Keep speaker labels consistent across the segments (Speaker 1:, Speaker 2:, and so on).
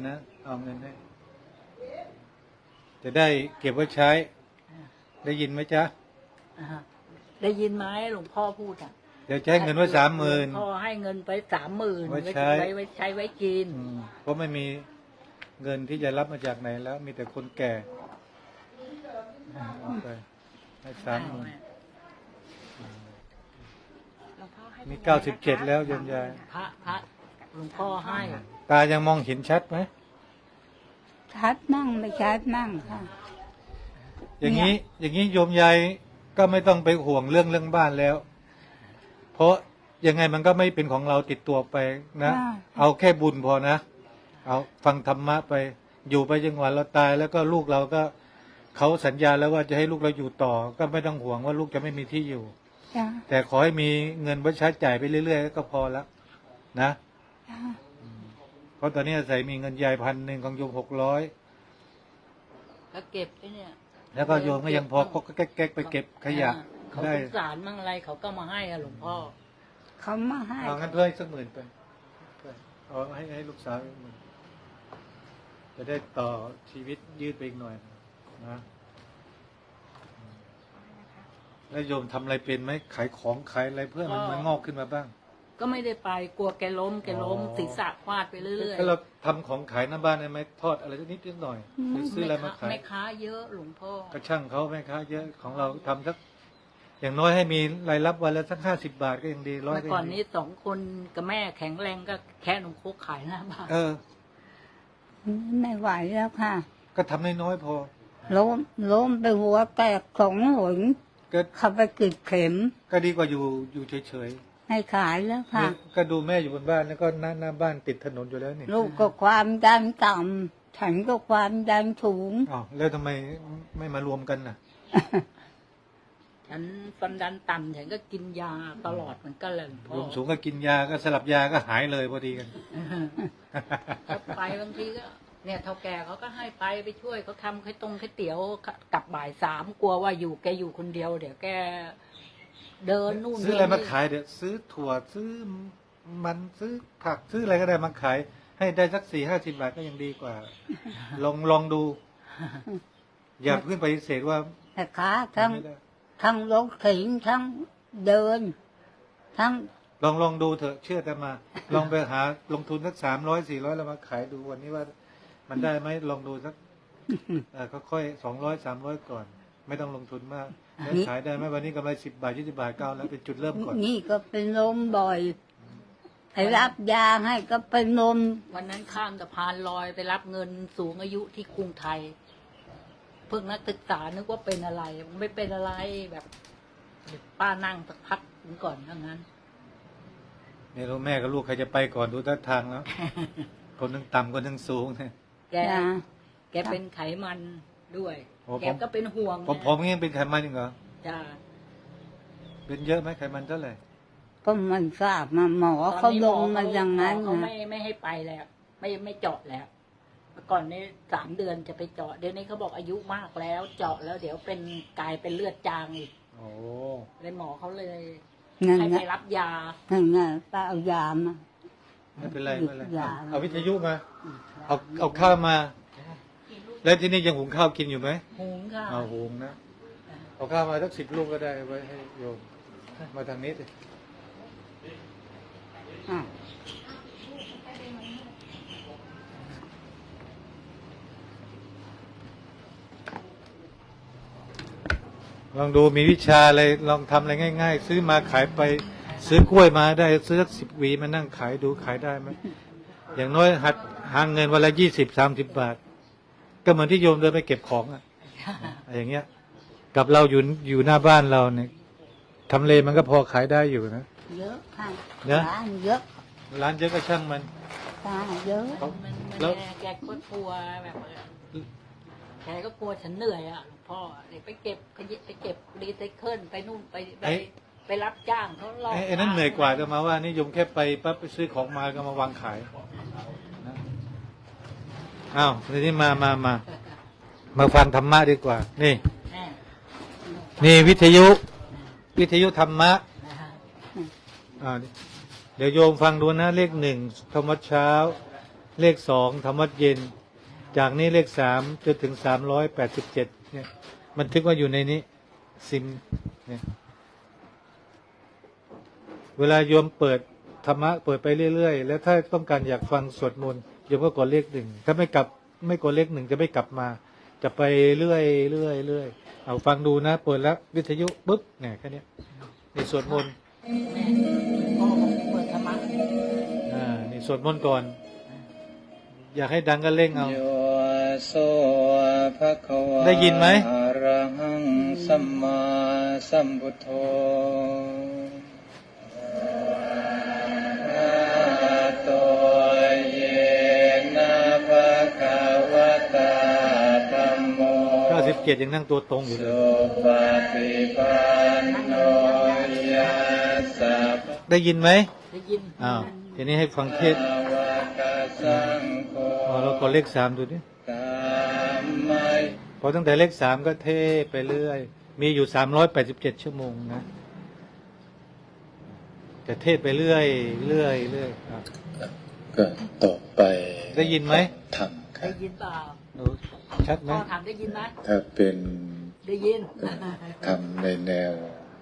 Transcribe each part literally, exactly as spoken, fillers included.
Speaker 1: นะเอาเงินให้จะได้เก็บไว้ใช้ ได้ยินไหมจ๊ะ
Speaker 2: ได้ยินไหมหลวงพ่อพูดอ่ะ
Speaker 1: เดี๋ยวใช้เงินไว้สามหมื่น
Speaker 2: พ่อให้เงินไปสามหมื่นไว้ใช้ไว้ใช้ไว้กิน
Speaker 1: เพราะไม่มีเงินที่จะรับมาจากไหนแล้ว มีแต่คนแก่เอาไปให้สามหมื่นมีเก้าสิบเจ็ดแล้วโยมยาย
Speaker 2: พระพระหลวงพ่อให้
Speaker 1: ตายังมองเห็นชัดไหม
Speaker 3: ชัดมั่งไม่ชัดมั่งค่ะ
Speaker 1: อย่างนี้อย่างนี้โยมยายก็ไม่ต้องไปห่วงเรื่องเรื่องบ้านแล้ว เพราะยังไงมันก็ไม่เป็นของเราติดตัวไปนะเอาแค่บุญพอนะเอาฟังธรรมะไปอยู่ไปจนกว่าเราตายแล้วก็ลูกเราก็เขาสัญญาแล้วว่าจะให้ลูกเราอยู่ต่อก็ไม่ต้องห่วงว่าลูกจะไม่มีที่อยู่แต่ขอให้มีเงินไว้ใช้จ่ายไปเรื่อยๆก็พอแล้วนะเพราะตอนนี้อาศัยมีเงินยายพันหนึ่งของโยมหกร้อย
Speaker 2: ก็เก็บไอ้เนี่ย
Speaker 1: แล้วก็โยมก็ยังพอก็แก๊กๆไปเก็บขยะ
Speaker 2: เขาสงสารมั่งอะไรเขาก็มาให้อะหลวงพ่อ
Speaker 3: เขามาให้
Speaker 1: เอางั้นเพื่อให้สักหมื่นไปเอาให้ให้ลูกสาวหมื่นจะได้ต่อชีวิตยืดไปอีกหน่อยนะแล้วโยมทำอะไรเป็นไหมขายของขายอะไรเพื่อมันมันงอกขึ้นมาบ้าง
Speaker 2: ก็ไม่ได้ไปกลัวแกล้มแกล้มศีรษะฟาดไปเรื่อยๆ
Speaker 1: ถ้าเราทำของขายหน้าบ้านได้ไหมทอดอะไรนิดนิดหน่อยหรือซื้ออะไรมาขาย
Speaker 2: แม่ค้าเยอะหลวงพ่อก
Speaker 1: ระช่างเขาแม่ค้าเยอะของเราทำสักอย่างน้อยให้มีรายรับวันละสักห้าสิบบาทก็ยังดีร้อย
Speaker 2: เมื่อก่อนนี้สองคนกับแม่แข็งแรงก็แค่นมโคกขายหน้าบ้าน
Speaker 1: เออ
Speaker 3: ไม่ไหวแล้วค่ะ
Speaker 1: ก็ทำน้อยๆพอ
Speaker 3: ล้มล้มไปหัวแตกสองหนก็ขับไปกรีดเข็ม
Speaker 1: ก็ดีกว่าอยู่อยู่เฉย
Speaker 3: ๆให้ขายแล้วค่ะ
Speaker 1: ก็ดูแม่อยู่บนบ้านแล้วก็หน้าหน้าบ้านติดถนนอยู่แล้วนี่
Speaker 3: ลูกก็ความดันต่ำฉันก็ความดันสูง
Speaker 1: อ๋อแล้วทำไมไม่มารวมกันน่ะ
Speaker 2: ฉันความดันต่ำฉันก็กินยาตลอดเหมือนกันเลย
Speaker 1: รวมสูงก็กินยาก็สลับยาก็หายเลยพอดีกัน
Speaker 2: ไปบางทีก็เนี่ยเท่าแก่เขาก็ให้ไปไปช่วยเขาทำไข่ต้มไข่เตี๋ยวกลับบ่ายสามกลัวว่าอยู่แกอยู่คนเดียวเดี๋ยวแกเดินนู่น
Speaker 1: ซื้ออะไรมาขายเดี๋ยวซื้อถั่วซื้อมันซื้อผักซื้ออะไรก็ได้มาขายให้ได้สักสี่ห้าสิบบาทก็ยังดีกว่าลองลองดูอย่าเพื่อนปฏิเสธว่า
Speaker 3: แต่ขาทั้งทั้งรถเข็นทั้งเดินทั้ง
Speaker 1: ลองลองดูเถอะเชื่อแต่มาลองไปหาลงทุนสักสามร้อยสี่ร้อยแล้วมาขายดูวันนี้ว่ามันได้ไหมลองดูสักเออค่อยๆสองร้อยสามร้อยก่อนไม่ต้องลงทุนมากแล้วขายได้ไหมวันนี้กำไรสิบบาทยี่สิบบาทเก้าแล้วเป็นจุดเริ่มก่อน
Speaker 3: นี่ก็เป็นลมบ่อยไปรับยาให้ก็เป็นลม
Speaker 2: วันนั้นข้ามสะพานลอยไปรับเงินสูงอายุที่กรุงไทยเพิ่งนักศึกษานึกว่าเป็นอะไรไม่เป็นอะไรแบบป้านั่งสักพักถึงก่อนทั้งนั้น
Speaker 1: ไม่รู้แม่กับลูกใครจะไปก่อนดูท่าทางแล้วคนนึงต่ำคนนึงสูงเนี่ย
Speaker 2: แกแกเป็นไขมันด้วยแกก็เป็นห่วง
Speaker 1: ผมผมงี้เป็นไขมันจริงเหรอ
Speaker 2: จ้า
Speaker 1: เป็นเยอะไหมไขมันเท่าไหร่
Speaker 3: ก็มันทราบมาหมอเขาลงมาอย่างนั้น
Speaker 2: เขาไม่ไม่ให้ไปแล้วไม่ไม่เจาะแล้วเมื่อก่อนนี้สามเดือนจะไปเจาะเดี๋ยวนี้เขาบอกอายุมากแล้วเจาะแล้วเดี๋ยวเป็นกลายเป็นเลือดจางอีก
Speaker 1: โอ้
Speaker 2: เลยหมอเขาเลยให้ไปรับยา
Speaker 3: นั่นไงป้าเอายามา
Speaker 1: ไม่เป็นไรไม่เป็นไรเอาวิทยุมาเอาเอาข้าวมาแล้วที่นี่ยังหุงข้าวกินอยู่ไหม
Speaker 2: หุงค่ะ
Speaker 1: เอาหุงนะเอาข้าวมาสักสิบลูกก็ได้ไว้ให้โยมมาทางนี้สิลองดูมีวิชาอะไรลองทำอะไรง่ายๆซื้อมาขายไปซื้อกล้วยมาได้ซื้อสักสิบหวีมานั่งขายดูขายได้ไหมอย่างน้อยหัดหาเงินวันละยี่สิบสามสิบบาทก็เหมือนที่โยมเดินไปเก็บของอะอย่างเงี้ยกับเราอยู่อยู่หน้าบ้านเราเนี่ยทำเลมันก็พอขายได้อยู่นะ
Speaker 3: เยอะค่ะ
Speaker 1: ร้
Speaker 3: านเยอะ
Speaker 1: ร้านเยอะก็ช่างมัน
Speaker 3: ร้านเยอะ
Speaker 2: แล้วแกก็กลัวแบบแกก็กลัวฉันเหนื่อยอ่ะหลวงพ่อเดี๋ยวไปเก็บไปเก็บรีไซเคิลไปนู่นไปไปไปรับจ้างเขาลอก
Speaker 1: ไอ้นั่นเหนื่อยกว่าจะมาว่านี่โยมแค่ไปปั๊บไปซื้อของมาก็มาวางขายอ้าวทีนี้มามามามาฟังธรรมะดีกว่านี่นี่วิทยุวิทยุธรรมะอ่าเดี๋ยวโยมฟังดูนะเลขหนึ่งธรรมะเช้าเลขสองทำวัดเย็น จากนี้เลขสามจนถึงสามร้อยแปดสิบเจ็ดเนี่ยมันทึกว่าอยู่ในนี้ซิมเนี่ยเวลาโยมเปิดธรรมะเปิดไปเรื่อยๆแล้วถ้าต้องการอยากฟังสวดมนต์โยมก็กดเลขหนึ่งถ้าไม่กลับไม่กดเลขหนึ่งจะไม่กลับมา จะไปเรื่อยเรื่อยเรื่อยเอาฟังดูนะเปิดแล้ววิทยุปุ๊บเนี่ยแค่นี้นี่สวดมนต์
Speaker 2: แม่พ่อบอกเปิดธรรมะ
Speaker 1: อ่านี่สวดมนต์ก่อน อยากให้ดังก็เร่งเอา
Speaker 4: โยโสภะคะวะ
Speaker 1: ได้ยินไหม
Speaker 4: อะระหังสัมมาสัมพุทโธอะโตเยนะภะคะวะตาธัมโม
Speaker 1: เก้าสิบเจ็ดยังนั่งตัวตรงอยู่เลย
Speaker 4: สุปฏิปันโนยัสสะ
Speaker 1: ได้ยินไหม
Speaker 2: ได้ยิน
Speaker 1: อ้าวทีนี้ให้ฟังเทศน์
Speaker 4: ภะวะกะสังโฆ
Speaker 1: อ๋อเรากดเลขสามดูดิ
Speaker 4: ตามมัย
Speaker 1: พอตั้งแต่เลขสามก็เทไปเรื่อย มีอยู่สามร้อยแปดสิบเจ็ดชั่วโมงนะจะเทศไปเรื่อยเรื่อยเรื่อยอ่ะ
Speaker 4: ก็ต่อไป
Speaker 1: ได้ยินไหม
Speaker 4: ทำกั
Speaker 2: ได้
Speaker 4: น
Speaker 2: ยินเปล่า
Speaker 1: ดูชัดไหม
Speaker 2: พ่อถามได้ยินไหม
Speaker 4: ถ้าเป็น
Speaker 2: ได้ยิน
Speaker 4: ทำในแนว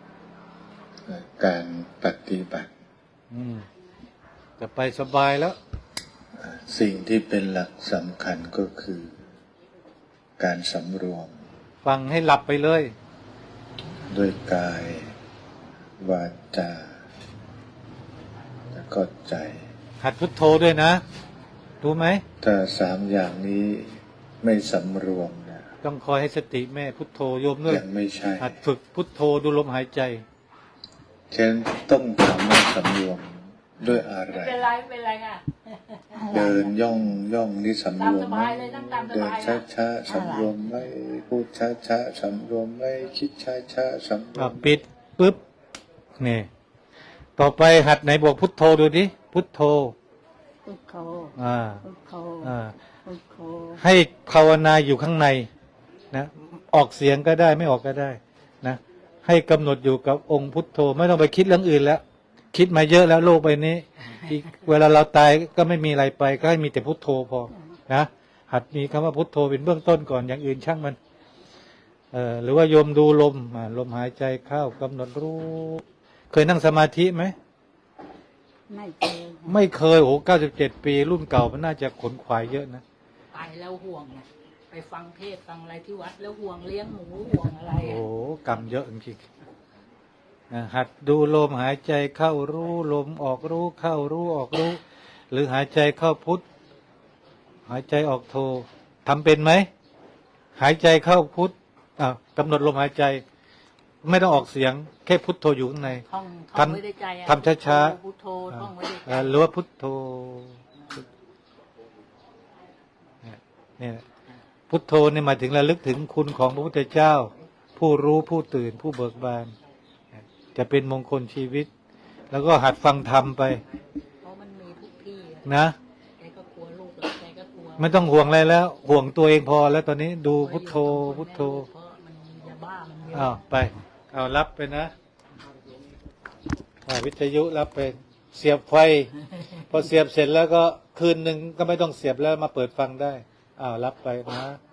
Speaker 4: การปฏิบัติ
Speaker 1: อืมจะไปสบายแล้ว
Speaker 4: สิ่งที่เป็นหลักสำคัญก็คือ การสำรวม
Speaker 1: ฟังให้หลับไปเลย
Speaker 4: ด้วยกายวาจาและก็ใจ
Speaker 1: หัดพุทโธด้วยนะรู้ไหม
Speaker 4: ถ้าสามอย่างนี้ไม่สำรวมเนี่ย
Speaker 1: ต้องคอยให้สติแม่พุทโธโยมด้วย
Speaker 4: ยังไม่ใช่
Speaker 1: หัดฝึกพุทโธดูลมหายใจ
Speaker 4: เช่นต้องถามว่าสำรวมด้วยอะไร
Speaker 2: เป็นไรเป็นไรค่ะ
Speaker 4: เดินย่องย่องนี่สำรวมไหม
Speaker 2: ตามสบายเลยนั่งตามส
Speaker 4: เดิน
Speaker 2: บาย
Speaker 4: ช้า
Speaker 2: นะ
Speaker 4: ช้าๆสำรวมไหมพูดช้าช้าๆสำรวมไหมคิดช้าช้าๆสำรว
Speaker 1: อ่ะ
Speaker 4: ม
Speaker 1: ปิดปุ๊บนี่ต่อไปหัดไหนบอกพุทโธดูดิพุทโธ
Speaker 3: พุทโธ
Speaker 1: อ่า
Speaker 3: พุทโธ
Speaker 1: อ่า
Speaker 3: พุทโธ
Speaker 1: ให้ภาวนาอยู่ข้างในนะออกเสียงก็ได้ไม่ออกก็ได้นะให้กำหนดอยู่กับองค์พุทโธไม่ต้องไปคิดเรื่องอื่นแล้ว คิดมาเยอะแล้วโลกใบนี้อีกเวลาเราตายก็ไม่มีอะไรไปก็ให้มีแต่พุทโธพอนะหัดมีคำว่าพุทโธเป็นเบื้องต้นก่อนอย่างอื่นช่างมันเอ่อหรือว่าโยมดูลมอ่าลมหายใจเข้ากำหนดรู้เคยนั่งสมาธิไหม
Speaker 3: ไม่เคย
Speaker 1: ไม่เคยโอ้เก้าสิบเจ็ดปีรุ่นเก่ามันน่าจะขนขวายเยอะนะ
Speaker 2: ไปแล้วห่วงไงไปฟังเทศน์ฟังอะไรที่วัดแล้วห่วงเลี้ยงหมูห่วงอะไร
Speaker 1: โอ้
Speaker 2: อะ
Speaker 1: กรรมเยอะจริงๆนะหัดดูลมหายใจเข้ารู้ลมออกรู้เข้ารู้ออกรู้ หรือหายใจเข้าพุทธหายใจออกโททำเป็นไหมหายใจเข้าพุทธอ่ะกำหนดลมหายใจ ไม่ต้องออกเสียงแค่พุทโธอยู่ข้างใน
Speaker 2: ท่องท่อง
Speaker 1: ทำ
Speaker 2: ไว้ในใจอะ
Speaker 1: ทำช้าๆ
Speaker 2: พุทโธท่องไว้ในใจ
Speaker 1: เอ่อหรือว่าพุทโธเนี่ยเนี่ยพุทโธเนี่ยหมายถึงระลึกถึงคุณของพระพุทธเจ้า ผู้รู้ผู้ตื่นผู้เบิกบานจะเป็นมงคลชีวิต แล้วก็หัดฟังธรรมไป
Speaker 2: เพราะมันมีทุกที่อะ
Speaker 1: นะ
Speaker 2: แกก็กลัวลูกแล้วแกก็กลัว
Speaker 1: ไม่ต้องห่วงอะไรแล้ว ห่วงตัวเองพอแล้วตอนนี้ดูพุทโธพุทโธ
Speaker 2: เพราะมันยาบ้ามันเยอะ
Speaker 1: อ้าวไปเอารับไปนะอ่าวิทยุรับไปเสียบไฟ พอเสียบเสร็จแล้วก็คืนหนึ่งก็ไม่ต้องเสียบแล้วมาเปิดฟังได้อ้าวรับไปนะ